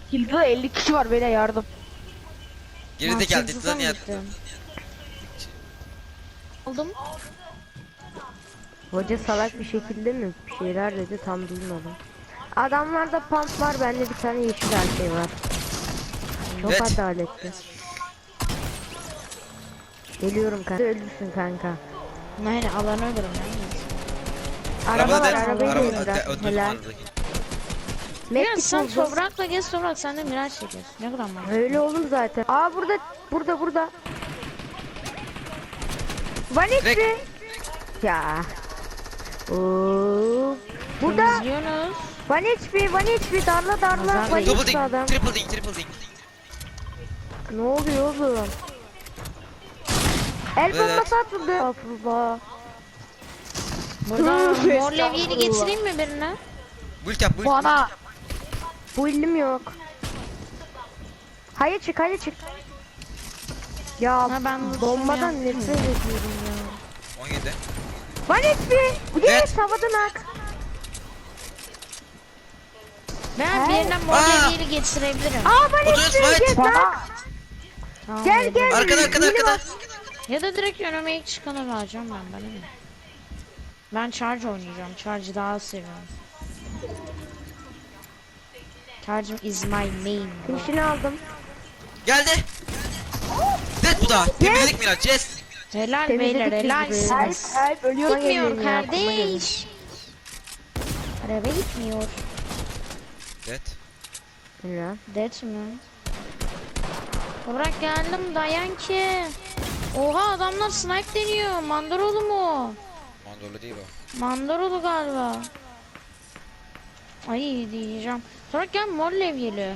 Kilde 50 kişi var, beyler yardım. Geride geldi lan ya. Aldım. Hoca salak bir şekilde mi bir şeyler dedi, tam duymadım. Adamlarda pump var, bende bir tane yeşil her şey var. Çok Evet. adaletli. Geliyorum kanka. Ölürsün kanka. Aynen, alanı öldürüm yani. Araba var, Arabada arabayı araba da öldürdüm helal. aradaki. Biraz Medkit sen buldum. toprakla gez, toprak sen de miraç çekiyorsun. Ne kadar mantıklı. Öyle olur zaten. Aa burada. Vanitri. Direkt. Ya. Oo. Burada. İzliyorsunuz. Vanitri darla Nazar Vanitri Double ding, adam. triple ding, triple ding. Ne oluyor oğlum? El Evet. bombası atıldı. Estağfurullah. Burada Hı, mor levyeli estağfurullah. getireyim mi birine? Build yap, build. Bana. Bu ilim yok. Hayır çık. Ya Ha, ben bombadan bunu nefret yaptım. ediyorum ya. 17. Vanitri. Yes havadan ak. Ben He? birine mor Aa! levyeli getirebilirim. Aa Oturuz Vanitri fight. gel lan. Tamam, Gel dedim. gel. Arkada Yeni arkada. bak. Ya da direkt önüme ilk çıkanı vereceğim ben, bana ne? Ben charge oynayacağım. Charge'ı daha seviyorum. Charge is my main. Finişini aldım. Geldi. Dead bu da. Temizledik Miraç, yes. Helal Temizledik beyler, biz helalsiniz. ölüyor. Gitmiyor kardeş. Araba gitmiyor. Dead. Ya. Det mi? Bırak geldim, dayan ki. Oha, adamlar snipe deniyor. Mandarolu mu? Mandorlu değil o. Mandarolu galiba. Ay diyeceğim. Sonra gel mor levyeli.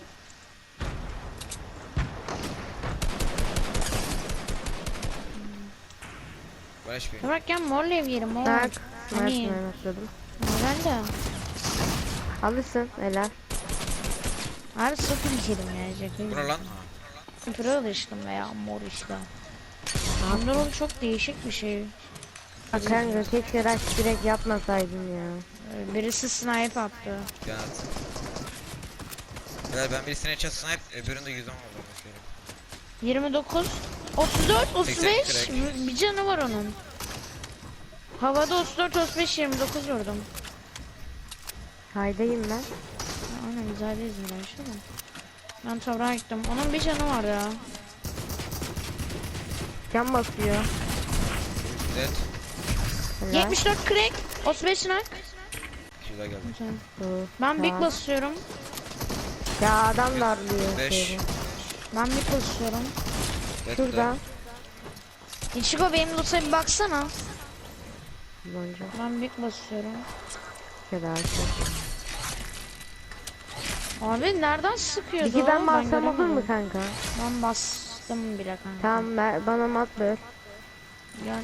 Barış bir. Sonra gel mor levyeli mor. Bak. Hani Atladım. ben de. Alırsın helal. Abi sıfır içerim ya. Bu ne lan? Pırıl içtim veya mor işte. Mandarolu çok değişik bir şey. Bak kanka keşke rush direkt yapmasaydın ya. Birisi snipe attı. Gel. Beyler ben birisine çat snipe, öbüründe 110 oldu mesela. 29, 34, 35. 80 Bir canı var onun. Havada 34, 35, 29 vurdum. Haydayım ben. Aynen, güzel değil mi? Ben toprağa gittim. Onun bir canı var ya. Can basıyor. Dead. Helal. 74 crack, 35 knock. Şurada geldi. Oo, Ben big tamam. basıyorum. Ya adam darlıyor. 5. şeyi. Ben big basıyorum. Dead Şurada. İçiko benim loot'a bir baksana. Bonca. Ben big basıyorum. Helal. Abi nereden sıkıyordu? Peki ben bassam olur göremedim. mu kanka? Ben bastım bile kanka. Tamam bana mat ver. Gel.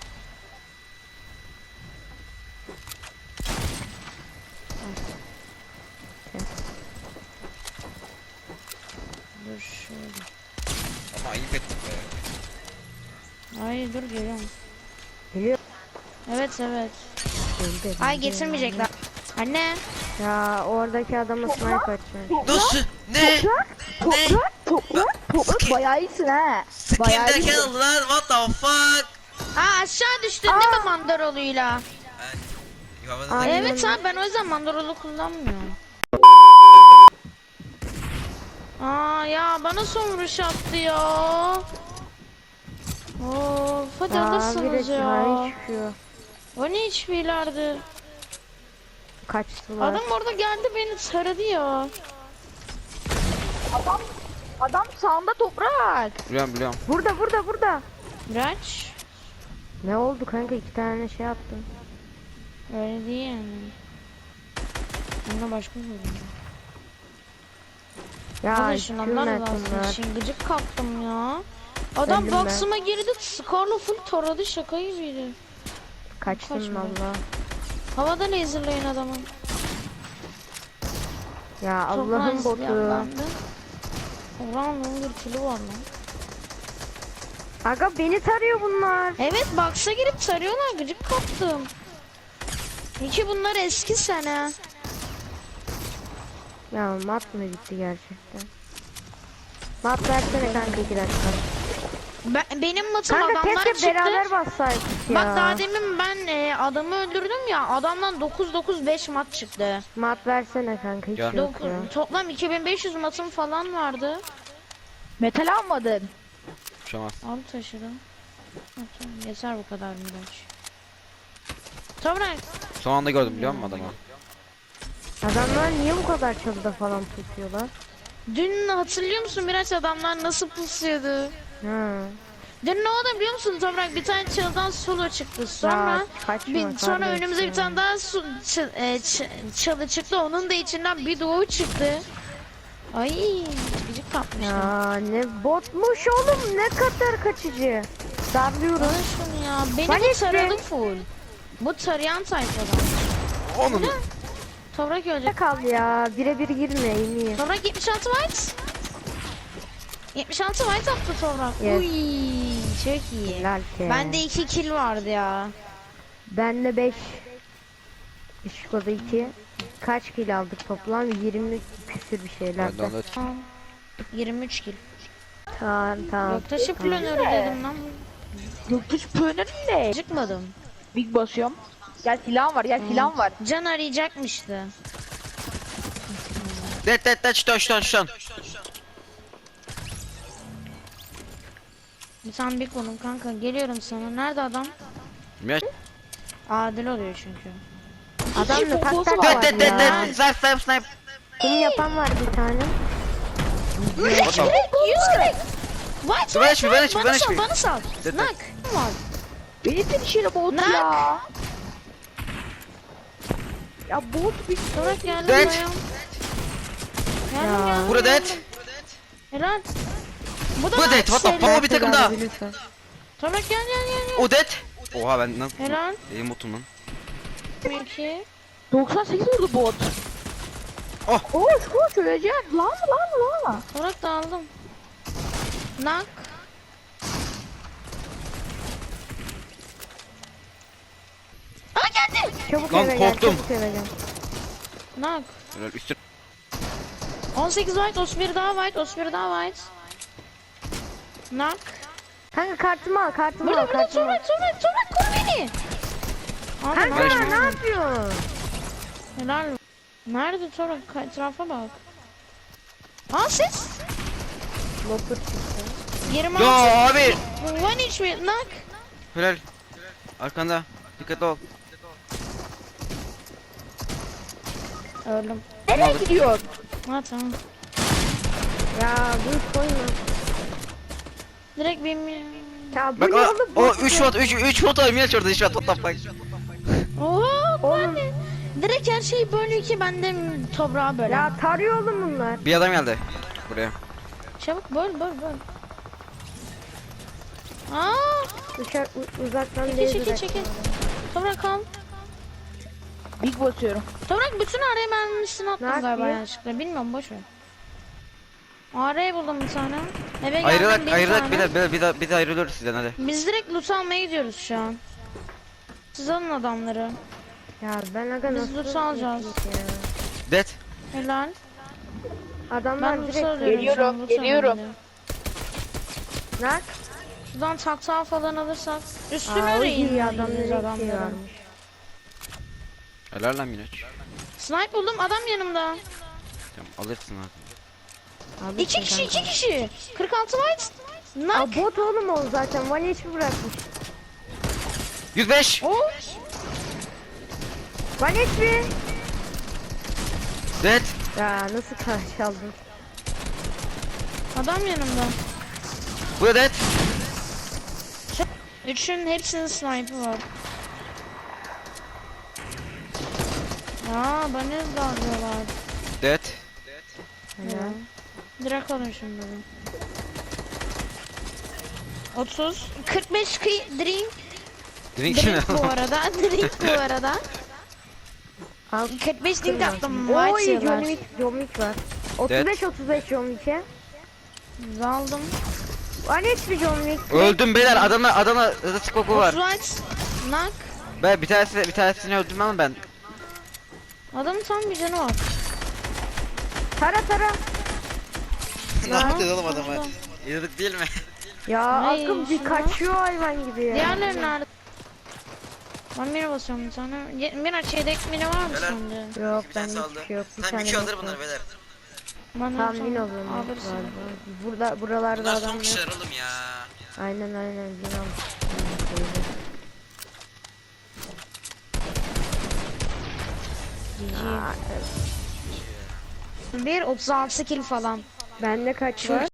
Dur şöyle. Ama ayıp ettim be. Ay dur, geliyorum. Geliyor. Evet. Geldi. Ay getirmeyecekler. Anne. Ya oradaki adama snipe atacak. Nasıl? Ne? Ne? Toprak bayağı iyisin ha. Skin derken oldu lan, what the fuck? Aa, aşağı düştün değil mi mandaroluyla? Yuvadan Aynen. Evet ha, ben o yüzden mandarolu kullanmıyorum. Aa ya, bana son vuruş attı ya. Of, hadi alırsınız ya. Çıkıyor. O ne hiçbirlerdi. Kaçtılar. Adam orada geldi, beni taradı ya. Adam sağında toprak. Biliyorum. Burada. Miraç. Ne oldu kanka, 2 tane şey attım. Öyle değil yani. Bunda başka bir şey. Ya Hadi şundan da bunlar. Şimdi gıcık kaptım ya. Adam Öldüm ben. box'ıma girdi, Scar'la full taradı, şaka gibiydi. Kaçtım Kaçma. valla. Havada laserlayın adamı. Ya Allah'ın botu. Oran bir kilo var lan. Aga beni tarıyor bunlar. Evet, box'a girip sarıyorlar, gıcık kaptım. İyi ki bunlar eski sene. Ya mat mı gitti gerçekten? Mat versene kanka 2 dakika. Benim matım Kanka adamlar keşke çıktı. beraber bassaydık ya. Bak daha demin ben adamı öldürdüm ya, adamdan 9-9-5 mat çıktı. Mat versene kanka hiç Gel. yok ya. Toplam 2500 matım falan vardı. Metal almadın. Şamaz. Al taşıdım. Tamam, yeter bu kadar Miraç. Toprak. Son anda gördüm biliyor musun adamı? Adamlar niye bu kadar çalıda falan tutuyorlar? Dün hatırlıyor musun Miraç, adamlar nasıl pusuyordu? Ha. Dün ne oldu biliyor musun Toprak? Bir tane çalıdan solo çıktı. Sonra Ya, kaçma sonra kardeşim. önümüze bir tane daha çalı çıktı. Onun da içinden bir doğu çıktı. Ay, gıcık kapmışlar. Ya ne botmuş oğlum, ne kadar kaçıcı. Darlıyorum. Bana şunu ya. Beni Ben bu işte- taradı full. Bu tarayan tayfadan. Onun. Toprak Ne ölecek. kal ya, birebir girme iyi. Toprak 76 white. 76 white attı Toprak. Yes. Uy, çok iyi. Helal ki. Bende 2 kill vardı ya. Bende 5. Işkoda 2. Kaç kill aldık toplam? 20 küsür bir Ben de şeylerden. onda 23 kill. Tamam. Yok taşı planörü dedim lan. Göktuş pönür ne? Çıkmadım. Big basıyorum. Gel silahım var, gel silahım var. Can arayacakmıştı. Det şutan. Bir tane bir konum kanka, geliyorum sana. Nerede adam? Miraç. Adil oluyor çünkü. Adam da poposu tak var. tak Det var ya. snipe. Kum yapan var bir tane. What the- 140. White Ben hiçbir- ben hiçbir- bana ben sal, hiçbir- bana sal. Dedi. Nak. Var. Beni finişine bot Nak. ya. Ya bot bir Toprak geldim Det. dayan. Ya. Geldim. Burada det. Helal. Bu da Bu det. What the şeyler. fuck, bir takım daha. Lütfen. Toprak gel. O det. Oha ben nasıl? Helal. Elim otum lan. 2. 98 vurdu bot. Oh. Koş öleceksin. Lan. Toprak da aldım. Nak. Aa geldi. Çabuk Lan eve gel, korktum. çabuk eve gel. Nak. Helal üstü. 18 white, 31 daha white, 31 daha white. Nak. Kanka kartımı al, kartımı Burada al, burada kartımı al. Toprak koru beni. Abi Kanka Ben bak. şimdi- ne yapıyorsun? Helal. Nerede Toprak? Etrafa bak. Aa ses. Lopur çıktı. 26. Ya abi. One inch mi? Nak. Helal. Arkanda. Dikkatli ol. Öldüm. Nereye gidiyorsun? Ha tamam. Ya dur koyma. Direkt benim... Ya bu Bak ne oğlum? o Bot 3 mu? shot 3 shot var Miraç orada shot what the fuck. Oha Oğlum. ben direkt her şeyi bölüyor ki ben de toprağa böyle. Ya tarıyor oğlum bunlar. Bir adam geldi. Buraya. Çabuk böl. Aa, Dışarı uzaktan çekil değil çekil direkt. çekil. Toprak al. Big basıyorum. Toprak bütün araya mermisini attım Ne galiba yapıyor? yanlışlıkla. Bilmiyorum boş ver. Araya buldum bir tane. Eve geldim Ayrılarak tane. bir de ayrılıyoruz sizden hadi. Biz direkt loot almaya gidiyoruz şu an. Siz alın adamları. Ya ben aga Biz nasıl loot alacağız. yapayım ya? Det. Helal. Adamlar Ben loot direkt alıyorum. Geliyorum, şu an, loot geliyorum. alıyorum. Nak. Şuradan taktağı falan alırsak. Üstüne Aa, o arayın iyi adamları. adamların şey adamları. varmış. Helal lan Miraç. Snipe buldum, adam yanımda. Tamam alırsın abi. Alırsın 2 kişi, kanka. 2 kişi. 46 white. Nak. Aa, bot oğlum o zaten. One HP bırakmış. 105. Oh. One HP. Det. Ya nasıl karşı aldın? Adam yanımda. Bu da det. Üçün hepsinin snipe'ı var. Ya bana dalıyorlar. Det. Ya. Direkt alın şimdi. 30 45 drink Drink ne? bu arada. Drink bu arada. Al. 45 drink attım. Oy White John yıllar. Wick, John Wick var. 35 John Wick'e. Aldım. One HP John Wick. Öldüm beyler adamla skoku var. 30 white. Nak. Ben bir tanesini öldüm ama ben. Adamın tam bir canı var. Tara. Ne yapacağız oğlum adama? Yürüdük değil mi? Ya Ay, akım bir şuna. kaçıyor hayvan gibi ya. Diğerleri nerede? Ben mira basıyorum bir tane. Miraç yedek mira var mı Beyler. sende? Yok Bir bende tanesi hiçbir aldı. şey yok. Bir Tamam tane iki alır yok. bunlar beyler. Bana Tam sen min alıyorum alırsın. galiba. Buralarda Bunlar adam son yok. kişiler oğlum ya. Aynen min al. GG. 1 36 kill falan. Bende kaç Şu var?